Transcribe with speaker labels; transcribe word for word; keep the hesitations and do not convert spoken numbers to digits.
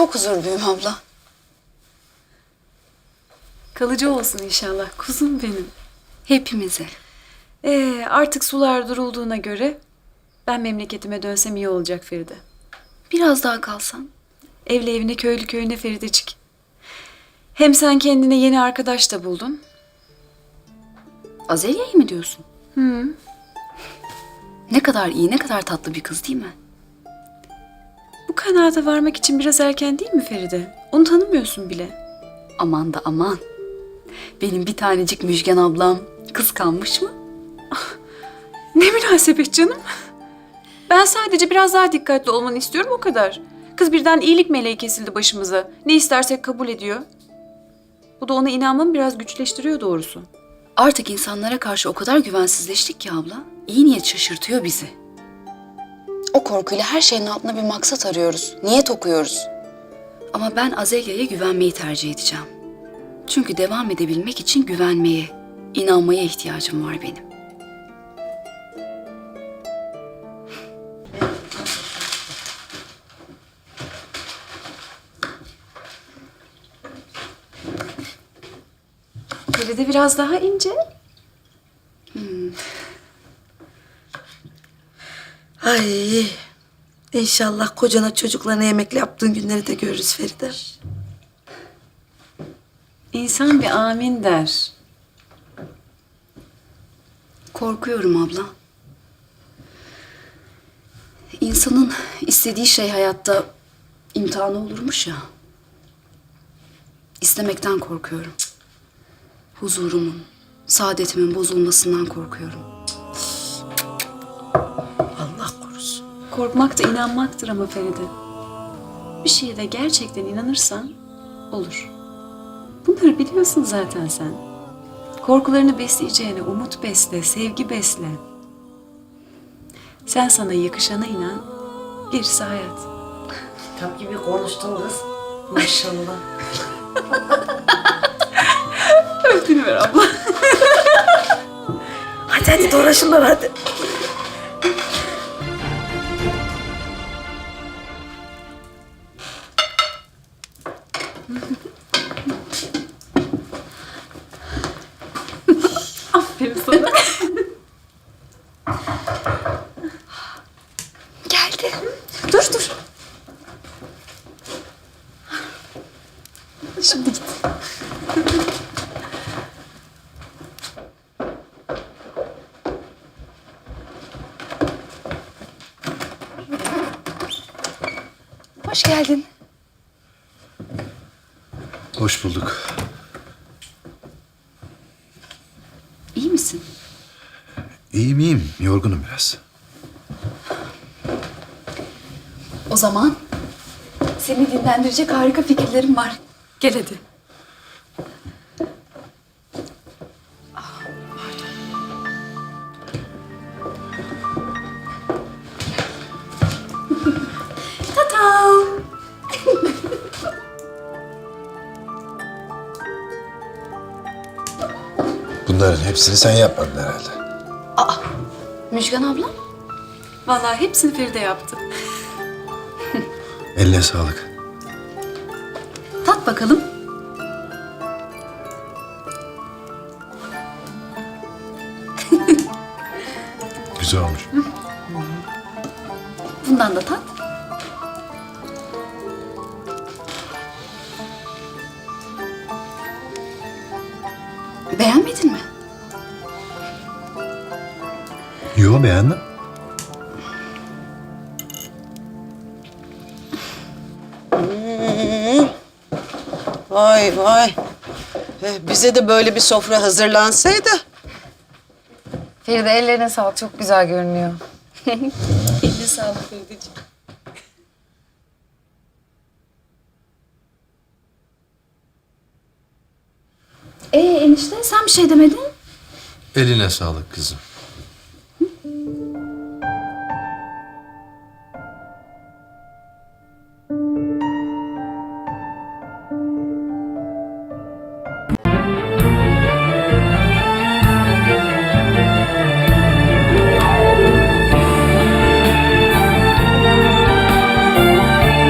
Speaker 1: Çok huzurluyum abla.
Speaker 2: Kalıcı olsun inşallah kuzum benim.
Speaker 1: Hepimize.
Speaker 2: Ee, artık sular durulduğuna göre ben memleketime dönsem iyi olacak Feride.
Speaker 1: Biraz daha kalsan.
Speaker 2: Evli evine, köylü köyüne Feridecik. Hem sen kendine yeni arkadaş da buldun.
Speaker 1: Azelya'yı mı diyorsun?
Speaker 2: Hı.
Speaker 1: Ne kadar iyi, ne kadar tatlı bir kız değil mi?
Speaker 2: Bu kanaata varmak için biraz erken değil mi Feride? Onu tanımıyorsun bile.
Speaker 1: Aman da aman. Benim bir tanecik Müjgan ablam kıskanmış mı?
Speaker 2: Ne münasebet canım. Ben sadece biraz daha dikkatli olmanı istiyorum o kadar. Kız birden iyilik meleği kesildi başımıza. Ne istersek kabul ediyor. Bu da ona inanmamı biraz güçleştiriyor doğrusu.
Speaker 1: Artık insanlara karşı o kadar güvensizleştik ki abla. İyi niyet şaşırtıyor bizi. O korkuyla her şeyin altına bir maksat arıyoruz. Niyet okuyoruz. Ama ben Azelya'ya güvenmeyi tercih edeceğim. Çünkü devam edebilmek için güvenmeye, inanmaya ihtiyacım var benim.
Speaker 2: Feride biraz daha ince.
Speaker 3: Ay, inşallah kocana çocuklarına yemekle yaptığın günleri de görürüz Feride.
Speaker 2: İnsan bir amin der.
Speaker 1: Korkuyorum abla. İnsanın istediği şey hayatta imtihanı olurmuş ya. İstemekten korkuyorum. Huzurumun, saadetimin bozulmasından korkuyorum.
Speaker 3: Allah korusun.
Speaker 2: Korkmak da inanmaktır ama Feride. Bir şeye de gerçekten inanırsan olur. Bunları biliyorsun zaten sen. Korkularını besleyeceğine umut besle, sevgi besle. Sen sana yakışana inan, gerisi hayat.
Speaker 3: Kitap gibi konuştun kız. Maşallah.
Speaker 2: Öptüğünü ver abla.
Speaker 3: Hadi hadi dolaşınlar hadi.
Speaker 2: Aferin sana.
Speaker 1: Geldi.
Speaker 2: Dur dur. Şimdi git.
Speaker 1: Hoş geldin.
Speaker 4: Hoş bulduk.
Speaker 1: İyi misin?
Speaker 4: İyiyim iyiyim. Yorgunum biraz.
Speaker 1: O zaman seni dinlendirecek harika fikirlerim var. Gel hadi. Ta-tam!
Speaker 4: Bunların hepsini sen yapmadın herhalde.
Speaker 1: Müjgan abla?
Speaker 2: Vallahi hepsini Feride yaptı.
Speaker 4: Eline sağlık.
Speaker 1: Tat bakalım.
Speaker 4: Güzel olmuş.
Speaker 1: Bundan da tat. Beğenmedin mi?
Speaker 4: Yo, beğendim.
Speaker 5: Vay vay. Eh, Bize de böyle bir sofra hazırlansaydı.
Speaker 6: Feride ellerine sağlık. Çok güzel görünüyor.
Speaker 2: Eline sağlık Ferideciğim.
Speaker 1: Ee enişte sen bir şey demedin.
Speaker 4: Eline sağlık kızım.